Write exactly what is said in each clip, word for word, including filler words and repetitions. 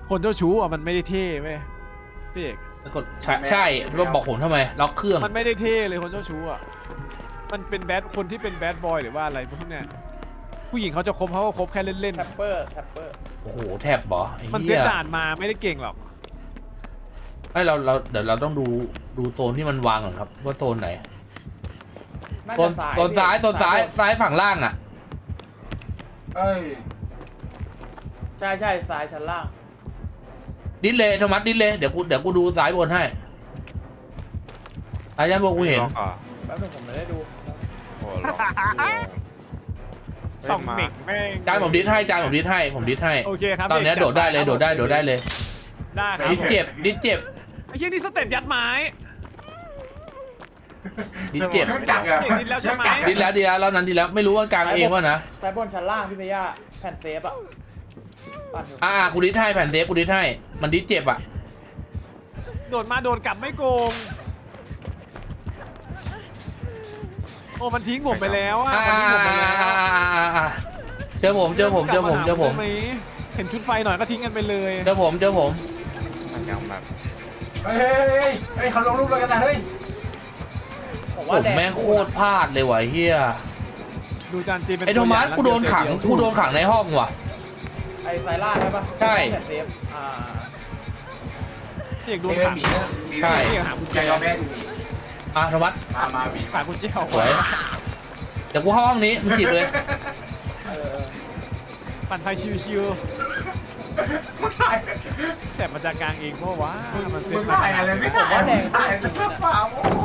คนเจ้าชู้อ่ะมันไม่ได้เท่ไหมพี่เอกแล้วก็ใช่ใช่แล้วบอกผมทำไมล็อกเครื่องมันไม่ได้เท่เลยคนเจ้าชู้อ่ะมันเป็นแบดคนที่เป็นแบดบอยหรือว่าอะไรพวกเนี้ยผู้หญิงเขาจะคบเขาก็คบแค่เล่นแท็ปเปอร์แท็ปเปอร์โอ้โหแท็บเหรอไอ้ๆมันเซเหี้ตยด่านมาไม่ได้เก่งหรอกไอ้เราเราเดี๋ยวเราต้องดูดูโซนที่มันวางก่อนครับว่าโซนไหนน่าโซจะนซ้ายโซนซ้ายโซนซ้ายซ้ายฝั่งล่างอ่ะเอ้ยใช่ใช่ซ้ายชั้นล่างดิสเลยโทมัสดิสเลยเดี๋ยวกูเดี๋ยวกูดูซ้ายบนให้ซ้ายด้านบนกูเห็นล็อกอ่ะแป๊บนึงผมไม่ได้ดูโอ้โหล็อกส่องเด็กแม่งจานผมดิสให้จานผมดิสให้ผมดิสให้โอเคครับตอนนี้พี่โดกดได้เลยจัโดดได้โดดได้เลยได้ครับดิสเจ็บดิสเจ็บไอ้เหี้ยนี่สเต็ปยัดไม้ดิสเจ็บเครื่องจักรอะเห็นแล้วใช่ไหมดิสแล้วดีแล้วรอบนั้นดีแล้วไม่รู้ว่ากลางเองวะนะซ้ายบนชั้นล่างพี่เบียร์แผ่นเซฟอะปั่นอยู่อ่ากูดิสให้แผ่นเซฟกูดิสให้มันดิสเจ็บอ่ะโดดมาโดนกลับไม่โกงโอ้มันทิ้งผมไปแล้วอ่ะอ่ามันทิ้งผมไปแล้วอ่าอ่าอ่าอ่าเจอผมเจอผมเจอผมเจอผมได้ไหเห็นชุดไฟหน่อยก็ทิ้งกันไปเลยเจอผมเจอผมมันยังแบบเฮ้ยเฮ้ยเฮ้ยเฮ้ยเขาลงรูปเลยกันนะเฮ้ยผมผว่าม แดงแม่งโคตรพลาดเลยว่ะเฮียดูจานจีเป็นไอ้โทมัสตัวย่ากูโดนขังแล้วเยวกูโดนขังในห้องว่ะไอ้ซ้ายล่างใช่ปะใช่แผ่นเซฟอ่าพี่เอกโดนเอ้ยขังหมีนะหมีใช่พี่เอกหากุญใจแจยอมแพ้ดูหมีอ่ะโทมัสมามาหมีหากุญแจออกสวยเดี๋ยวกูเข้าห้องนี้มึงจีบเลยเออปั่นไฟชิวมันถ่ายๆแต่มันจะกลางเองเพราะว่ามันเซ็มึตงมาถ่ายอะไรไม่ถ่ายมึงถ่ายแต่เปล่า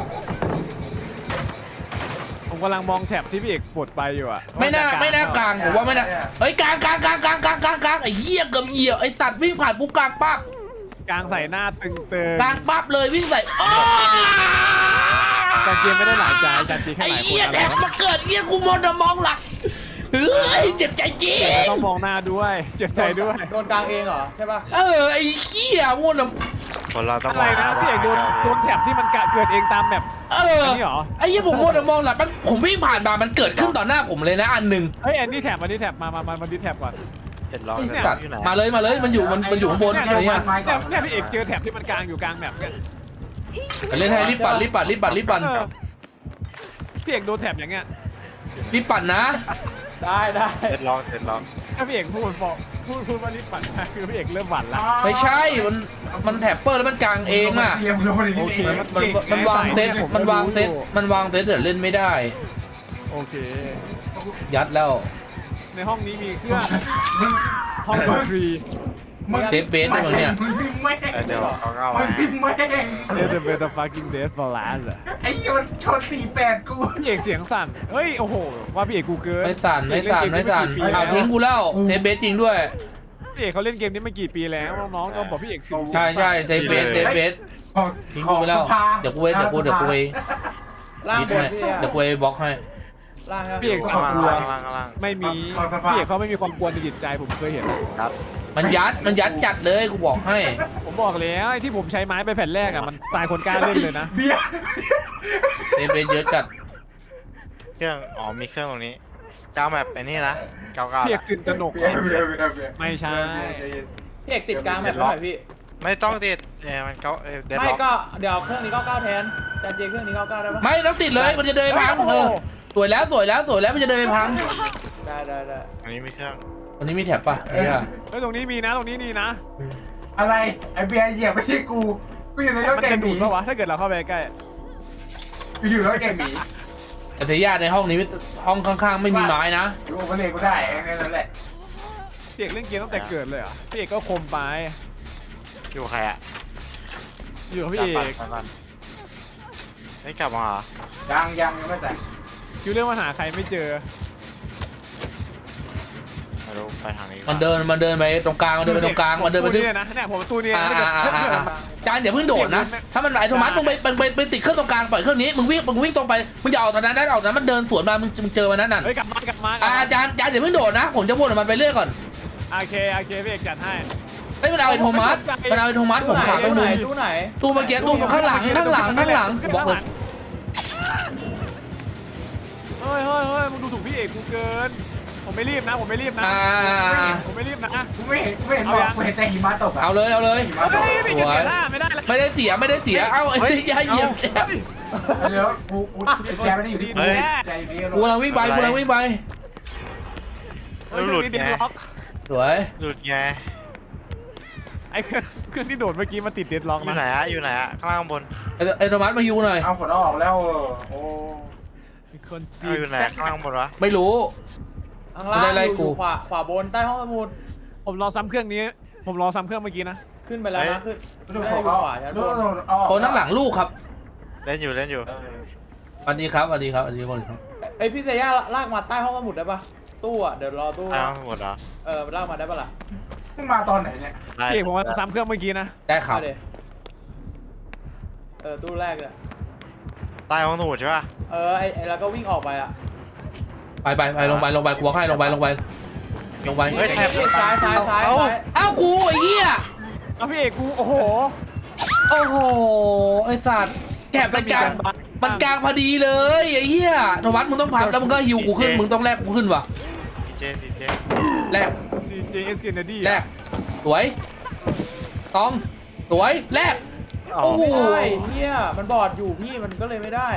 ผมกำลังมองแถบที่พี่เอกปลดไปอยู่อ่ะไม่น่าว่จะไม่น่ากลางผมว่าไม่น่าเฮ้ยกลางกลางกลางกลางกลางกลางกลางไอ้เหี้ยเกือบเหยียบไอ้สัตว์วิ่งผ่านปุ๊บกลางปั๊บกลางใส่หน้าตึงเติงกลางปั๊บเลยวิ่งใส่โอ้จานจีไม่ได้หลายใจจานจีแค่ไอ้หลายคนเหี้ยอะไรแทบมาเกิดเหี้ยกูมองมองหลักเฮ้ยเจ็บใจจริงต้องมองหน้าด้วยเจ็บใจด้วยโดนกลางเองเหรอใช่ปะเออไอ้เหี้ยมัวนะคนเราต้องอะไรนะพี่เอกโดนโดนแถบที่มันกะเกิดเองตามแบบเอออันนี้เหรอไอ้เหี้ยผมมัวแต่มองหลักมันผมวิ่งผ่านมามันเกิดขึ้นต่อหน้าผมเลยนะอันหนึ่งเฮ้ยอันนี้แถบอันนี้แถบมามามามาดิแถบก่อนเห็นล็อกไอ้เห็นล็สัอตกว์อยู่ไหนมาเลยมาเลยมันอยู่มันมันอยู่ข้างบนเนี่ยอะไรเนี่ยเงี้ยเนี่ยเนี่ยพี่เอกเจอแถบที่มันกลางอยู่กลางแบบเนี้ยเล่นให้รีบปั่นรีบปั่นรีบปั่นรีบปั่นเออพี่เอกโดนแถบอย่างเงี้ยรีบปั่นนะได้ได้เห็นล็อกเห็นล็อกถ้าพี่เอกพูดบอกพูดพูดว่ารีบปั่นมาคือพี่เอกเริ่มหวั่นละไม่ใช่มันมันแถบเปอร์แล้วมันกลางเองอ่ะเรียมลงมาดิโอเคมันมันมันวางเซตมันวางเซตมันวางเซตเดี๋ยวเล่นไม่ได้โอเคยัดแล้วในห้องนี้มีเครื่องมึงห้องฟรีมึงเซฟเบสด้วยมั้งเนี่ยมึงพิมพ์แม่งเออเดี๋ยวเขาเข้ามึมางพิมพ์แม่งเซตเบสฟักกิ้งเดสฟอร์ลาสอะไอ้โยนชนสี่แปดกูพี่เอกเสียงสั่นเฮ้ยโอ้โหว่าพี่เอกกูเกินไม่สั่นไม่สั่นไม่สั่นพี่เอกข่าวทิ้งกูแล้วเซฟเบสจริงด้วยพี่เอกเขาเล่นเกมนี้มากี่ปีแล้วน้องๆก็บอกพี่เอกสิบใช่ใช่เซฟเบสเซฟเบสของทิ้งกูไปแล้วของสภาเดี๋ยวกูเว้ยเดี๋ยวกูเดี๋ยวกูเว้ยล่างนิดบนให้พี่เบียร์เดี๋ยวกูเว้ยบล็อกให้ล่างครับพี่เอกสาข้างวล่างกลัวข้างล่างข้างล่างไม่มีของสภาพี่เอกเขาไม่มีความกลัวในจิตใจผมเคยเห็นครับมันยัดมันยัดจัดเลยกูบอกให้ผมบอกแล้วไอ้ที่ผมใช้ไม้ไปแผ่นแรกอ่ะมันสไตล์คนกล้าเล่นเลยนะเบียร์เซฟเบสเยอะจัดเครื่องอ๋อมีเครื่องตรงนี้เก้าแบบไอ้นี่นะเก้าเก้าพี่เอกตื่นตระหนกเบียร์เบียร์เบียร์เบียร์ไม่ใช่พี่เอกติดกลางแบบหน่อยพี่ไม่ต้องติดเออมันเก้าเออเดดไม่ล็อกก็เดี๋ยวเครื่องนี้เก้าเก้าแทนจานเจเครื่องนี้เก้าเก้าได้ปะไม่ต้องติดเลยมันจะเดินไปพังเออสวยแล้วสวยแล้วสวยแล้วมันจะเดินไปพังได้ได้ได้อันนี้มีเครื่องวันนี้มีแถบป่ะเนี่ยเฮ้ยตรงนี้มีนะตรงนี้นี่นะอะไรไอ้เบียร์เหยียบไม่ใช่กูกูอยู่ในรถมันแกงจะหดูมีดปะวะถ้าเกิดเราเข้าไปใกล้กูอยู่ในรถแกงหมีแต่เสียญาติในห้องนี้ห้องข้างๆไม่มีไม้นะกูมาเลยกูได้แค่นั้นแหละพี่เอกเล่นเกมตั้งแต่เกิดเลยเหรอ่ะพี่เอกก็คมไปอยู่ใครอะอยู่กับพี่เอกกลับก่อนไม่กลับมาเหรอยังยังยังไม่แต่งคิวเรื่องมาหาใครไม่เจอไม่รู้ไปทางนี้มันเดินมันเดินไปตรงกลางมันเดินไปตรงกลางมันเดินไปตู้ทึบเนี่ยนะเนี่ยผมตู้เนี่ยอ่านะอ่าอ่าอ่าจานอย่าเพิ่งโดดนะ ถ้ามันไหลโทมัสมึงไปไปไปติดเครื่องตรงกลางปล่อยเครื่องนี้มึงวิ่งมึงวิ่งตรงไปมึงอย่าออกตอนนั้นได้ออกตอนนั้นมันเดินสวนมามึงมึงเจอมันนั่นน่ะเฮ้ยกลับมากลับมาอ่าจานจานอย่าเพิ่งโดดนะผมจะวนมันไปเรื่อยก่อนโอเคโอเคพี่เอกจัดให้เฮ้ยมันเอาไอ้โทมัสมันเอาไอ้โทมัสผมขังไปตู้ไหนดูตู้ไหนตู้เมื่อกี้ตู้ข้างหลังข้างหลังข้างหลังบอกเลยเฮ้ยเฮ้ยเฮ้ยมึงดูถูกพี่เอกกูเกินผมไม่รีบนะผมไม่รีบนะอ่าผมไม่รีบนะกูไม่เห็นกูไม่เห็นบอกกูเห็นแต่หิมะตกอะเอาเลยเอาเลยหิมะตเฮ้กยไม่เสียท่าไม่ได้เลยไม่ได้เสียไม่ได้เสียเอ้าไอ้เตย่าเหยียบแกเฮ้ยเดี๋ยวกูกูแกไม่ได้อยู่ที่กูแกอยู่ที่กูกำลังวิ่งไปกูกำลังวิ่งไปแล้วหลุดเดไงดล็อกสวยหลุดไงไอ้เครื่องเครื่องที่โดดเมื่อกี้มันติดเดดล็อกอยู่นะไหนอะอยู่ไหนอะข้างล่างข้างบนไอ้ไอ้โทมัสมายูหน่อยเอาฝนออกแล้วโอ้มีคนจีเอาอยู่ไหนข้างล่างข้างบนวะไม่รู้ข้างล่างไม่ได้ไล่อยู่กูอยู่ขวาขวาบนใต้ห้องสมุดผมรอซ้ำเครื่องนี้ ผมรอซ้ำเครื่องเมื่อกี้นะขึ้นไปแล้วนะขึ้นดูไม่ฝได้นอยู่เขาขวาชั้นดูบนดูเอาคนข้างหลังลูกครับเล่นอยู่เล่นอยู่เออสวัสดีครับสวัสดีครับสวัสดีคนครับไอยพี่เซย่าลากมาใต้ห้องสมุดได้ปะตู้อ่ะเดี๋ยวรอตู้ข้างหมดเหรอเออลากมาได้ปะล่ะมึงมาตอนไหนเนี่ยได้พี่ผมว่าซ้ำเครื่องเมื่อกี้นะได้ครับเอาดิเออตู้แรกเลยใต้ห้องสมุดใช่ป่ะเออไอไอแล้วก็วิ่งออกไปอ่ะไปไปไปลงไปลงไปกลัวใครลงไปลงไปลงไปเฮ้ยแทบซ้ายซ้ายซ้ายเอ้าซ้ายอ้าวกูไอ้เหี้ยเอาพี่เอกกูโอ้โหโอ้โหไอ้สัตว์แกะมันกลางมันกลางพอดีเลยไอ้เหี้ยโทมัสมึงต้องพับแล้วมึงก็ฮิวกูขึ้นมึงต้องแลกกูขึ้นว่ะดีเจดีเจแลกซีเจเอสเกนเนดี้แลกสวยตองสวยแลกอ๋อโอ้โหโอ้ยเฮียมันบอดอยู่พี่มันก็เลยไม่ได้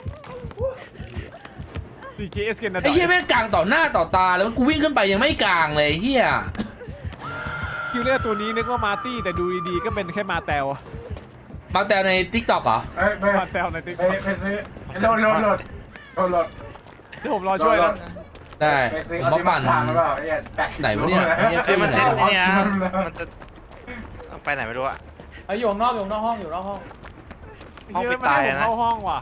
ซีเจเอสเกนเนไอ้ดี้เหี้ยแม่งกลางต่อหน้าต่อตาแล้วกูวิ่งขึ้นไปยังไม่กลางเลยไอ้เหี้ยคิวเลอร์ตัวนี้นึกว่ามาร์ตี้แต่ดูดีๆก็เป็นแค่มาแตวมาแต่ในทิกตอกเหรอเอ้ยไปมาแตวในติ๊กไปไปซื้อโหลดโหลดโหลดโหลดโหลดเดี๋ยวผมรอช่วยนะได้ไปซื้อผมมาปั่นทางหรือเปล่าเนี่ยแปดสิบไหนวะเนี่ยไอ้เหี้ยเฮ้ยมันขึ้เล่นไหไอ้นี่นะมันจะเอาไปไหนไม่รู้อะไออยู่ข้างนอกอยู่ข้างนอกห้องอยู่นอกห้องห้องไอ้ปิเหี้ดยตายมันอะให้ผมนะเข้าห้องว่ะ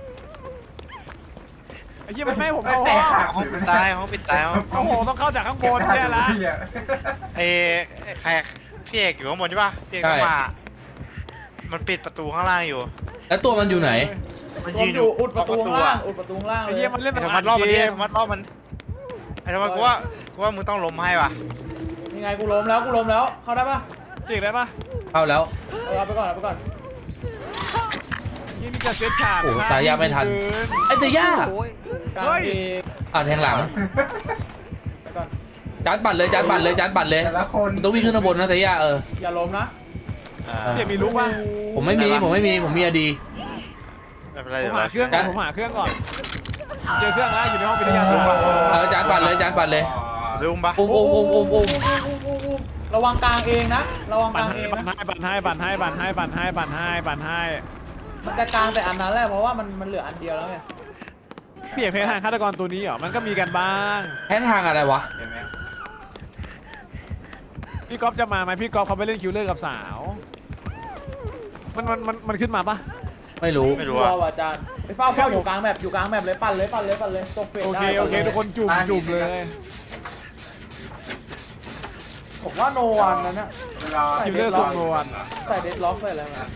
ไอ้เหี้ยมันไม่ให้ผมเข้าแต่ห้องขาดห้องปิดตายห้องปิดตายห้องโอ้โหต้องเข้าจากข้างบนเนี่ยละไอ้ไอ้ใครพี่เอกอยู่ข้างบนใช่ป่ะพี่เอกก็มา มันปิดประตูข้างล่างอยู่แล้วตัวมันอยู่ไหนมันรวยืมนออยู่ยู่อุดประตูขข้างอะล่างอุดประตูข้างล่างเลไอ้ยเหี้ยมันเล่นไอ้แบบธรรมะรอบมันดิธรรมะรอบมันไอ้ธรรมะกูว่ากูว่ามึงต้องล้มให้ว่ะยังไงกูล้มแล้วกูล้มแล้วเข้าได้ปะเจ๊กได้ปะเข้าแล้วเออเอาไปก่อนเอาไปก่อนยี่นี่จะเซตฉากโอ้โหตายยากไม่ทัน ไอ้เตย่ากลางเฮ้ยเออ่าแทงหลังไปก่อนจานปั่นเลยจานปั่นเลยจานปั่นเลยแต่ละคนมันต้องวิ่งขึ้นข้างบนนะเตย่าเอออย่าล้มนะอ่าเจ๊มีรู้ปะผมไม่มีผมไม่มีผมมีอดีไม่เป็นไรผมเดี๋ยวหาเราเครื่องก่อนผมหาเครื่องก่อนเจอเครื่องแล้วอยู่ในห้องวิทยาศาสตร์เออจานปั่นเลยจานปั่นเลยลืมปะอุ้มอุ้มอุ้มอุ้มอุ้มระวังกลางเองนะระวังกปั่นลางให้เองปั่นนะให้ปั่นให้ปั่นให้ปั่นให้ปั่นให้ปั่นให้ปั่นให้มันจะกลางแต่อันนั้นแหละเพราะว่ามันมันเหลืออันเดียวแล้วไงพี่เอกเพจทางฆาตกรตัวนี้เหรอมันก็มีกันบ้างแพ้ทางอะไรวะเห็นไหมพี่ก๊อฟจะมาไหมพี่ก๊อฟเขาไปเล่นคิวเลอร์กับสาว มันมันมันมันขึ้นมาปะไม่รู้ไม่ชัรู้วอะร์ว่ะอาจารย์ไปเฝ้าเฝ้าอยู่กลางแมปอยู่กลางแมปเลยปั่นเลยปั่นเลยปั่นเลยตกเฟสโอเคได้โอเคทุกคนจุ่มจุ่มเลยผมว่าโนวันนั้นนะเวลาคิวเลอร์ทรงโนวันใส่เดดล็อกใส่อะไรมา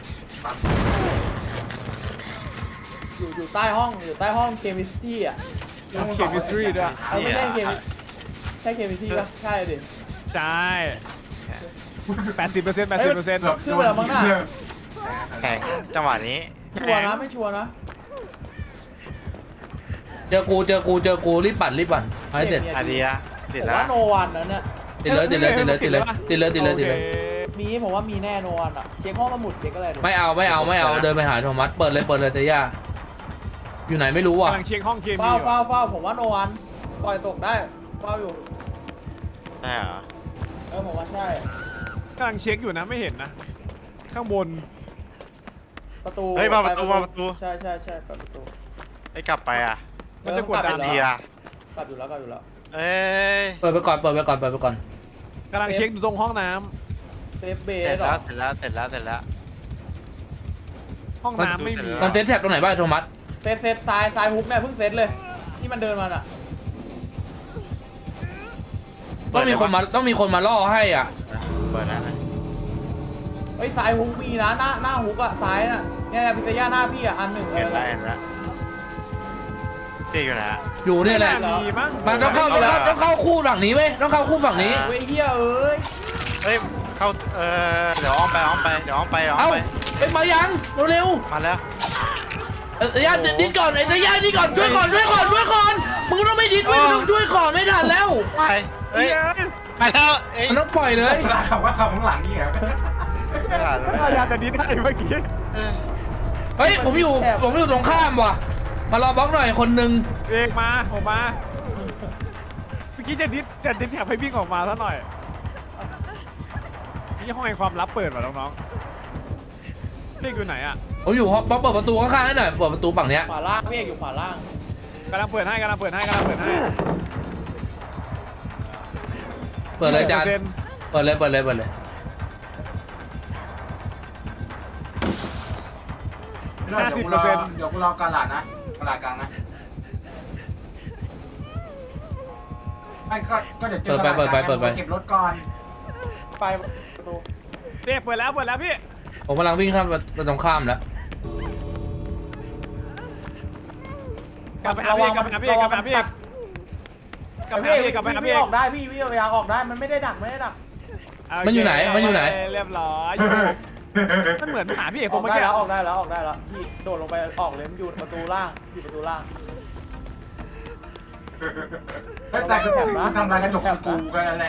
อยู่อยู่ใต้ห้องอยู่ใต้ห้องเคมิสตี้อ่ะเคมิสตรีด้วยเอาไม่ใช่เคมิใช่เคมิสตี้ปะใช่ดิใช่แปดสิบเปอร์เซ็นต์แปดสิบเปอร์เซ็นต์ขึ้นไปแล้วมั้งน่ะแข่งจังหวะนี้ชัวร์นะไม่ชัวร์นะเจอกูเจอกูเจอกูรีบปั่นรีบปั่นเอาให้เสร็จอาดีละติดผมแล้วว่าโนวันนั้นเนี่ยติดเลยติดเลยติดเลยติดเลยติดเลยติดเลยติดเลยมีผมว่ามีแน่โนวันอ่ะเช็คห้องสมุดเช็คอะไรดูไม่เอาไม่เอาไม่เอาเดินไปหาโทมัสเปิดเลยเปิดเลยเตย่าอยู่ไหนไม่รู้อ่ะกำลังเช็คห้องเคมีเฝ้าอยู่เฝ้าเฝ้าผมว่าโนวันปล่อยตกได้เฝ้าอยู่ใช่เหรอเออผมว่าใช่กำลังเช็คอยู่นะไม่เห็นนะ ข้างบนประตูเฮ้ยมาประตูมาประตูใช่ใช่ใช่เปิดประตูไอ้กลับไปอ่ะมันจะกดดันดีอ่ะกลับอยู่แล้วกลับอยู่แล้วเอ้ยเปิดไปก่อนเปิดไปก่อนเปิดไปก่อนกำลังเช็คอยู่ตรงห้องน้เซฟเบเสร็จสเหรแล้อวเสร็จแล้วเสร็จแล้วเสร็จแล้วำห้องน้ำไม่มีมันเซ็ตแท็บตรงไหนบ้างโทมัสเซฟเซฟซ้ายซ้ายฮุกเนี่ยเพิ่งเซตเลยที่มันเดินมาอ่ะต้องมีคนมาต้องมีคนมาล่อให้อ่ะเปิดนะเฮ้ยซ้ายฮุกมีนะหน้าหน้าฮุกอ่ะซ้ายน่ะเนี่ยพิซซ่าหน้าพี่อ่ะอันหนึ่งเลเห็ยนแล้วเห็นแล้วพี่อยู่ไหนอะอยู่เนี่ยแหละมีมั้งมาต้องเข้าต้องเข้าต้องเข้าคู่ฝั่งนี้เว้ยต้องเข้าคู่ฝั่งนี้เว้ยเฮียเอ้ยเฮ้ยเข้าเออเดี๋ยวอ้อมไปอ้อมไปเดี๋ยวอ้อมไปเดี๋ยวอ้อเอ้ามไปเอ้ยมายังเร็วมาแล้วๆเอ้ยเตย่าดิ้นก่อนไอ้เตย่าดิ้นก่อนช่วยก่อนช่วยก่อนช่วยก่อนมึงก็ต้องไม่ดิดเว้ยมึงต้องช่วยก่อนไม่ทันแล้วไปเฮ้ยไปแล้วเอ้ยมันต้องปล่อยเลยเวลาขับว่าขับข้างหลังนี่เหรอไม่ทันพยายามจะดิ้นให้เมื่อกี้เออเฮ้ยผมอยู่ผมอยู่ตรงข้ามว่ะมารอบล็อกหน่อยคนหนึ่งเอกมาผมมาเมื่อกี้จะดิ้นจะดิ้นแถบให้วิ่งออกมาซะหน่อยนี่ห้องแห่งความลับเปิดมาน้องๆพี่อยู่ไหนอ่ะผมอยู่ห้องเปิดประตูข้างๆให้หน่อยเปิดประตูฝั่งเนี้ยขวาล่างพี่เอกอยู่ขวาล่างกำลังเปิดให้กำลังเปิดให้กำลังเปิดให้เปิดเลยจานเปอร์เซ็นต์เปิดเลยเปิดเลยเปิดเลยเดี๋ยวกูรอเดี๋ยวกูรอกระดาษนะกระดาษกลางนะไม่ก็ก็เดี๋ยวเจอกระดาษกลางเก็บรถก่อนไปประตูเด็กเปิดแล้วเปิดแล้วพี่ผมกำลังวิ่งข้ามไปตรงข้ามแล้วกลับไปหาพี่กลับไปหาพี่กลับไปหาพี่กลับไปหาพี่กลับไปหาพี่พี่ออกได้พี่พี่พยายามออกได้มันไม่ได้ดักไม่ได้ดักมันอยู่ไหนมันอยู่ไหนเรียบร้อยมันเหมือนหาพี่เอกอผอมกเมื่อได้กี้แล้วออกได้แล้วออกได้แล้วพี่โดดลงไปออกเลยมันอยู่ประตูล่างอยู่ประตูล่างแต่กูทำลายกระจกกูกันนั่นแหละ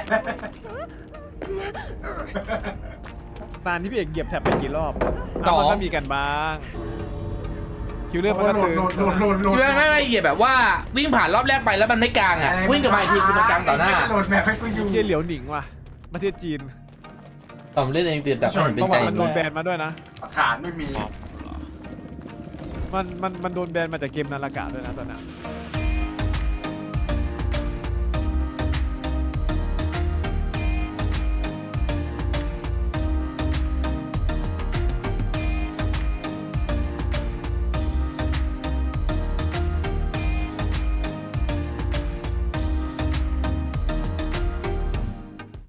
ตานที่พี่เอกเหยียบแถบไปกี่รอบมันก็มีกันบ้างคิวเลอร์มันก็หลุดตื่นหลุดหลุดหลุดหลุดไม่ไม่ไม่เหยียบแบบว่าวิ่งผ่านรอบแรกไปแล้วมันไม่กลางอ่ะวิ่งกลับมาอีกทีคือมันกลางต่อหน้าหลุดแบบให้กูอยู่เที่ยเหลียวหนิงว่ะประเทศจีนตอนผมเล่นเองตื่นแต่ผมเป็นใจมันโดนแบนมาด้วยนะฐานไม่มีมันมันมันโดนแบนมาจากเกมนาฬิกาด้วยนะตอนนั้นเ